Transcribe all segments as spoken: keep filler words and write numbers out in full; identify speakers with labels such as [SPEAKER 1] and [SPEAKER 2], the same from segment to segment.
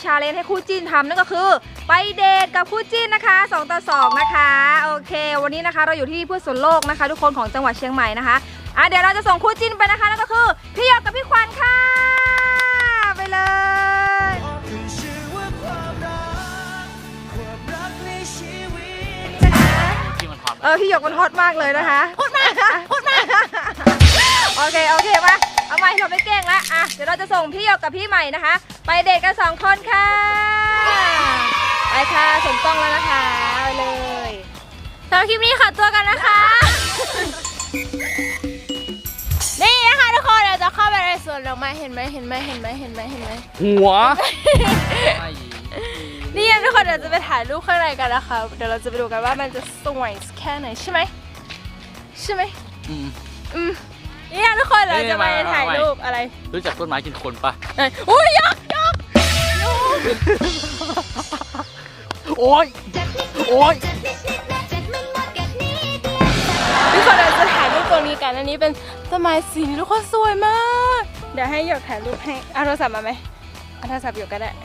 [SPEAKER 1] าเลนจ์ให้คู่จิ้นทำนั่นก็คือไปเดทกับคู่จิ้นนะคะสองต่อสองนะคะโอเควันนี้นะคะเราอยู่ที่เพื่อส่วนโลกนะคะทุกคนของจังหวัดเชียงใหม่นะคะอ่ะเดี๋ยวเราจะส่งคู่จิ้นไปนะคะนั่นก็คือพี่หยกกับพี่ขวัญค่ะไปเลยเออพี่หยกมันฮอตมากเลยนะคะฮอตมากค่ะฮอตมากโอเคโอเคมาเอาใหม่เราไม่เก่งแล้วอ่ะเดี๋ยวเราจะส่งพี่หยกกับพี่ใหม่นะคะไปเดทกันสองคนค่ะไปค่ะส่งกล้องแล้วนะคะไปเลยสำหรับคลิปนี้ขอตัวกันนะคะ
[SPEAKER 2] นี่นะคะทุกคนเราจะเข้าไปในสวนดอกไม้เห็นไหมเห็นไหมเห็นไหมเห็นไหมเห็นไหม
[SPEAKER 3] หัว
[SPEAKER 2] นี่ทุกคนเดี๋ยวจะไปถ่ายรูปข้างในกันนะคะเดี๋ยวเราจะไปดูกันว่ามันจะสวยแค่ไหนใช่ไหมใช่ไหม
[SPEAKER 3] อืม
[SPEAKER 2] อืมนี่ทุกคนเราจะไปถ่ายรูปอะไร
[SPEAKER 3] รู้จักต้นไม้กินคนปะ
[SPEAKER 2] เอ้ยอุ้ยยกยกยก
[SPEAKER 3] โอ้ยโอ้ย
[SPEAKER 2] ทุกคนเราจะถ่ายรูปตรงนี้กันอันนี้เป็นต้นไม้สีทุกคนสวยมากเดี๋ยวให้หยกถ่ายรูปให้เอาโทรศัพท์มาไหมเอาโทรศัพท์หยกก็ได้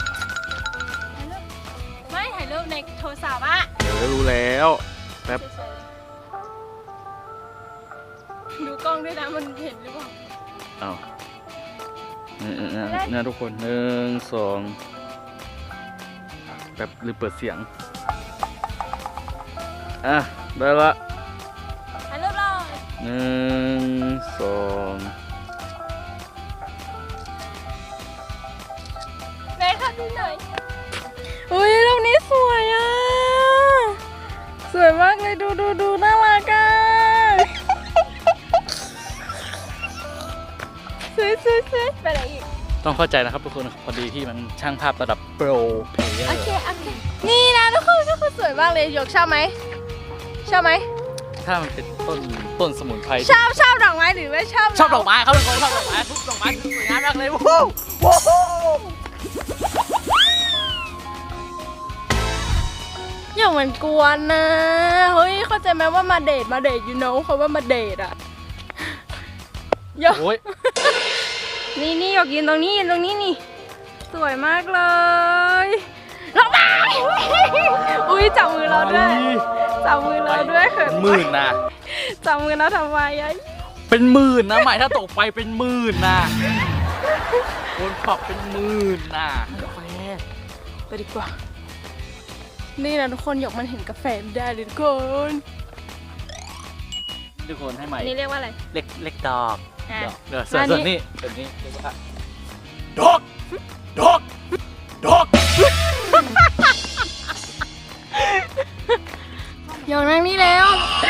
[SPEAKER 2] ไม่ถ่ายรูปในโทรศัพท์อะ
[SPEAKER 3] เดี๋ยวรู้แล้วแป๊บ
[SPEAKER 2] ดูกล้องด้วยนะมันเห็นหรือเปล่า
[SPEAKER 3] เอาเนี่ยเนี่ยเนี่ยทุกคนหนึ่งสองแป๊บลืมเปิดเสียงอ่ะได้ละ
[SPEAKER 2] ถ่ายรูปเลย
[SPEAKER 3] หนึ่งสอง
[SPEAKER 2] ไหนคะดูหน่อยอุ้ยรูปนี้สวยอ่ะสวยมากเลยดูดูดูน่ารักอ่ะสวยสวยสวยไปไหนอีก
[SPEAKER 3] ต้องเข้าใจนะครับทุกคนพอดีที่มันช่างภาพระดับโปรเพลเยอร์
[SPEAKER 2] โอเคโอเคนี่นะทุกคนทุกคนสวยมากเลยหยกชอบไหมชอบไหม
[SPEAKER 3] ถ้ามันเป็นต้นต้นสมุนไพร
[SPEAKER 2] ชอบชอบดอกไม้หรือไม่ชอบ
[SPEAKER 3] ชอบดอกไม้ครับทุกคนชอบดอกไม้ทุกดอกไม้สวยงามมากเลยว้าวว้าว
[SPEAKER 2] อย่างเหมือนกวนนะเฮ้ยเข้าใจไหมว่ามาเดทมาเดท you know เขาว่ามาเดทอ่ะหยก
[SPEAKER 3] โอ้ย
[SPEAKER 1] นี่นี่หยกยืนตรงนี้ยืนตรงนี้นี่สวยมากเลย
[SPEAKER 2] ลงมาอุ้ยจับมือเราด้วยจับมือเราด้วยเขิน
[SPEAKER 3] หมื่นนะ
[SPEAKER 2] จับมือเราทำไมอะ
[SPEAKER 3] เป็นหมื่นนะหมายถ้าตกไปเป็นหมื่นนะคนขับเป็นหมื่นนะกาแฟ
[SPEAKER 2] ไปดีกว่านี่นะทุกคนหยกมันเห็นกาแฟไม่ได้เลยทุกคน
[SPEAKER 3] ทุกคนให้ใหม่
[SPEAKER 1] อันนี้เรียกว่าอะไร
[SPEAKER 3] เล็กเล็กดอก
[SPEAKER 1] อ่ะ
[SPEAKER 3] ดอกเดี๋ยวส่วน
[SPEAKER 1] อันนี้
[SPEAKER 3] ส่วนนี้ส่วนนี้เรียกว่าดอกดอกดอก
[SPEAKER 2] หยกนั่งนี่แล้ว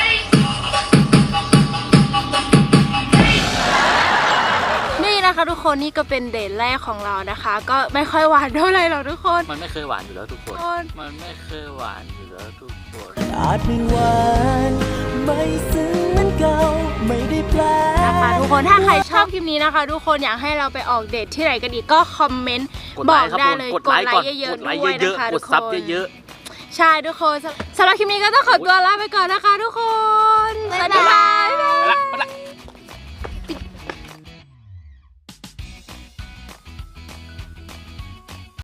[SPEAKER 2] นี่นะคะทุกคนนี่ก็เป็นเดทแรกของเรานะคะ ก็ไม่ค่อยหวานเท่าไหร่หรอกทุกคน
[SPEAKER 3] มันไม่เคยหวานอยู่แล้วทุกคน
[SPEAKER 2] คน
[SPEAKER 3] มันไม่เคยหวานอยู่แล้วทุกคน
[SPEAKER 4] อาจไม่หวานไม่ซึ้งเหมือนเก่าไม่ได้แปล
[SPEAKER 2] นะคะทุกคนถ้าใครชอบคลิปนี้นะคะ ทุกคนอยากให้เราไปออกเดทที่ไหนกันอีกก็คอมเมนต์
[SPEAKER 3] กด
[SPEAKER 2] บ
[SPEAKER 3] ไล
[SPEAKER 2] อก
[SPEAKER 3] ค์ครับ
[SPEAKER 2] ได้
[SPEAKER 3] ผม
[SPEAKER 2] เลย
[SPEAKER 3] กดไลค์ก่อน
[SPEAKER 2] เยอะ
[SPEAKER 3] กด
[SPEAKER 2] ๆ
[SPEAKER 3] ไลค์
[SPEAKER 2] ด้วย
[SPEAKER 3] เย
[SPEAKER 2] นะ
[SPEAKER 3] อะ
[SPEAKER 2] คะ
[SPEAKER 3] ๆก
[SPEAKER 2] ทุ
[SPEAKER 3] ด
[SPEAKER 2] กค
[SPEAKER 3] ซับ
[SPEAKER 2] น
[SPEAKER 3] เยอะ
[SPEAKER 2] ใช่ทุกคนสำหรับคลิปนี้ก็ต้องขอตัวลาไปก่อนนะคะ ทุกคน
[SPEAKER 1] บ๊ายบาย